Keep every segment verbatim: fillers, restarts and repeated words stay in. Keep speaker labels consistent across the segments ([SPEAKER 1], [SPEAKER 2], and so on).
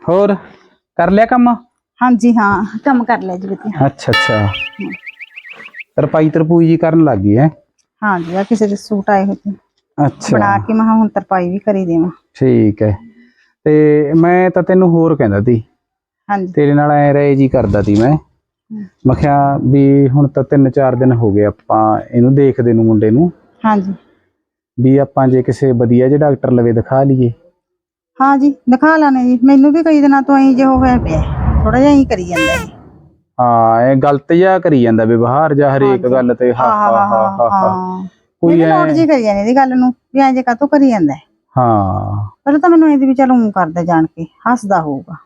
[SPEAKER 1] ਹੋਰ ਕਰ ਲਿਆ ਕੰਮ?
[SPEAKER 2] ਹਾਂਜੀ हाँ काम कर लिया जी बतिया।
[SPEAKER 1] अच्छा अच्छा तरपाई तरपूई जी करन लग गई है?
[SPEAKER 2] हाँ जी आ किसी दे सूट आए होते
[SPEAKER 1] अच्छा
[SPEAKER 2] बना के मैं हुण तरपाई भी करी देवां।
[SPEAKER 1] ठीक है ते मैं तां तैनूं होर कहंदा ती
[SPEAKER 2] हाँ जी
[SPEAKER 1] तेरे नाल ऐ राय जी करदा ती मैं मैं किहा भी हुण तां तीन चार दिन हो गए आपां इहनूं देखदे नूं मुंडे नूं
[SPEAKER 2] हाँ जी
[SPEAKER 1] भी आपां जे किसे वधिया जे डॉक्टर लवे दिखा लईए।
[SPEAKER 2] हाँ जी दिखा लाने जी मैनू भी कई दिनों तो इंज हो होया पिया थोड़ा जिहा ही करी जांदा है।
[SPEAKER 1] हाँ ये गलत जिहा करी ਜਾਂਦਾ व्यवहार ਜਾਂ
[SPEAKER 2] हाँ
[SPEAKER 1] ਹਰੇਕ
[SPEAKER 2] जी
[SPEAKER 1] ਗੱਲ ਤੇ ਹਾ
[SPEAKER 2] हाँ
[SPEAKER 1] ਹਾ
[SPEAKER 2] हाँ
[SPEAKER 1] ਹਾ
[SPEAKER 2] हाँ
[SPEAKER 1] ਹਾ ਹਾ
[SPEAKER 2] हाँ मैं
[SPEAKER 1] ਕੋਈ
[SPEAKER 2] भी
[SPEAKER 1] ਐ
[SPEAKER 2] नोट जी करी जाने दी गल नूं भी इंज कातों करी जांदा है।
[SPEAKER 1] ਹਾਂ
[SPEAKER 2] पहले तो मैनू इंज भी चल ऊं करदा जान के हसदा होऊगा।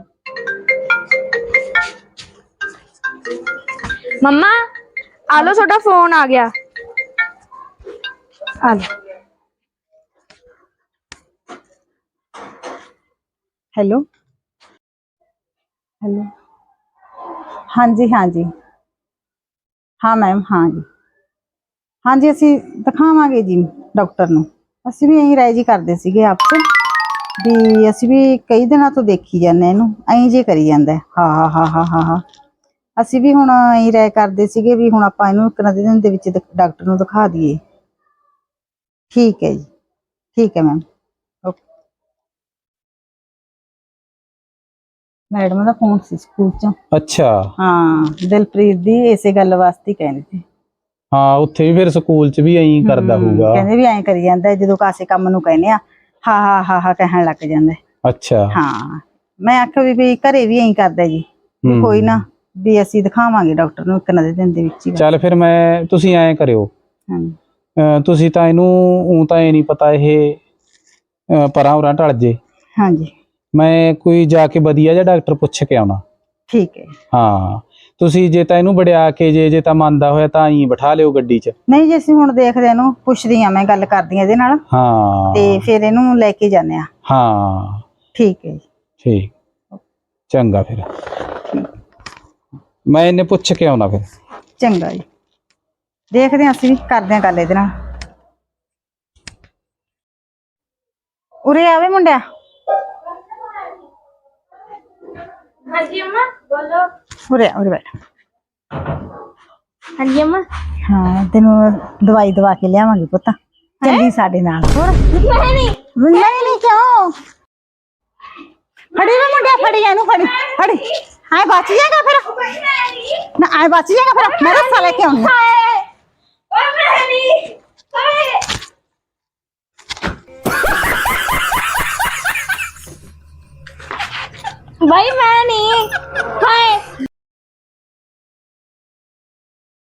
[SPEAKER 3] मम्मा आलो छोटा फोन आ गया। आ लो।
[SPEAKER 2] हेलो हेलो हाँ जी हाँ जी हाँ मैम हाँ जी हाँ जी असी दिखावांगे जी डॉक्टर नूं असी भी यही राय जी करदे सीगे आपसे भी असी भी कई दिनों तो देखी जाने इहनूं ऐं जे करी जांदा है हा हा हा हा हा हा असी भी हुण यही राय करदे सीगे भी हुण आपां इहनूं इक ना दिन दे विच डॉक्टर नूं दिखा दईए। ठीक है जी ठीक है मैम ओके। मैडम दा फोन सी स्कूल चों
[SPEAKER 1] ਅੱਛਾ
[SPEAKER 2] हाँ दिलप्रीत दी इसे गल वास्ते कहंदे सी।
[SPEAKER 1] ਹਾਂ ਉੱਥੇ ਵੀ ਫਿਰ ਸਕੂਲ 'ਚ ਵੀ ਐਂ ਕਰਦਾ ਹੋਊਗਾ।
[SPEAKER 2] ਕਹਿੰਦੇ ਵੀ ਐਂ ਕਰੀ ਜਾਂਦਾ ਜਦੋਂ ਕਾਸੇ ਕੰਮ ਨੂੰ ਕਹਿੰਦੇ ਆ ਹਾ ਹਾ ਹਾ ਹਾ ਕਹਿਣ ਲੱਗ ਜਾਂਦਾ।
[SPEAKER 1] ਅੱਛਾ
[SPEAKER 2] ਹਾਂ ਮੈਂ ਆਖਿਆ ਵੀ ਵੀ ਘਰੇ ਵੀ ਐਂ ਕਰਦਾ ਜੀ ਵੀ ਕੋਈ ਨਾ ਵੀ ਅਸੀਂ ਦਿਖਾਵਾਂਗੇ ਡਾਕਟਰ ਨੂੰ ਇੱਕ ਨਾ ਦੇ ਦਿਨ ਦੇ ਵਿੱਚ ਹੀ।
[SPEAKER 1] ਚੱਲ ਫਿਰ ਮੈਂ ਤੁਸੀਂ ਐਂ ਕਰਿਓ ਅਹ ਤੁਸੀਂ ਤਾਂ ਇਹਨੂੰ ਊਂ ਤਾਂ ਇਹ ਨਹੀਂ ਪਤਾ ਇਹ ਅਹ ਪਰਾਂ ਉਰਾਂ ਢਲ ਜੇ।
[SPEAKER 2] ਹਾਂਜੀ
[SPEAKER 1] ਮੈਂ ਕੋਈ ਜਾ ਕੇ ਵਧੀਆ ਜਿਹਾ ਡਾਕਟਰ ਪੁੱਛ ਕੇ ਆਉਣਾ।
[SPEAKER 2] ਠੀਕ ਹੈ
[SPEAKER 1] ਹਾਂ ਤੁਸੀਂ ਜੇ ਤਾਂ ਇਹਨੂੰ ਵੜਿਆ ਕੇ ਜੇ ਜੇ ਤਾਂ ਮੰਨਦਾ ਹੋਇਆ ਤਾਂ ਹੀ ਬਿਠਾ ਲਿਓ ਗੱਡੀ 'ਚ।
[SPEAKER 2] ਨਹੀਂ ਜੇ ਅਸੀਂ ਹੁਣ ਦੇਖਦੇ ਇਹਨੂੰ ਪੁੱਛਦੀ ਆ ਮੈਂ ਗੱਲ ਕਰਦੀ ਆ ਇਹਦੇ ਨਾਲ
[SPEAKER 1] ਹਾਂ
[SPEAKER 2] ਤੇ ਫਿਰ ਇਹਨੂੰ ਲੈ ਕੇ ਜਾਂਦੇ ਆ।
[SPEAKER 1] ਹਾਂ
[SPEAKER 2] ਠੀਕ ਹੈ ਜੀ
[SPEAKER 1] ਠੀਕ ਚੰਗਾ ਫਿਰ ਮੈਂ ਇਹਨੇ ਪੁੱਛ ਕੇ ਆਉਣਾ ਫਿਰ।
[SPEAKER 2] ਚੰਗਾ ਜੀ ਦੇਖਦੇ ਆ ਅਸੀਂ ਵੀ ਕਰਦੇ ਆ ਗੱਲ ਇਹਦੇ ਨਾਲ। ਉਰੇ ਆਵੇ ਮੁੰਡਿਆ।
[SPEAKER 3] हाँ जी अम्मा बोलो।
[SPEAKER 2] ਉਰੇ ਆ ਉਰੇ ਬੈਠ।
[SPEAKER 3] हाँ जी अम्मा
[SPEAKER 2] ਹਾਂ ਤੈਨੂੰ ਦਵਾਈ ਦਵਾ ਕੇ ਲਿਆਵਾਂਗੇ ਪੁੱਤ ਚੱਲੀ ਸਾਡੇ ਨਾਲ। ਹੋਰ
[SPEAKER 3] मैं नहीं
[SPEAKER 2] ਨਹੀਂ ਨਹੀਂ ਕਿਉਂ ਫੜੀ ਵੇ ਮੁੰਡਿਆ ਫੜੀ ਇਹਨੂੰ ਫੜੀ ਫੜੀ ਆਏ ਬਚ ਜਾਏਗਾ ਫਿਰ ਨਾ ਆਏ ਬਚ ਜਾਏਗਾ ਫਿਰ ਮੈਂ ਰੱਸਾ ਲੈ ਕੇ ਆਉਂਦੀ
[SPEAKER 3] और मैं नहीं भाई मैं नहीं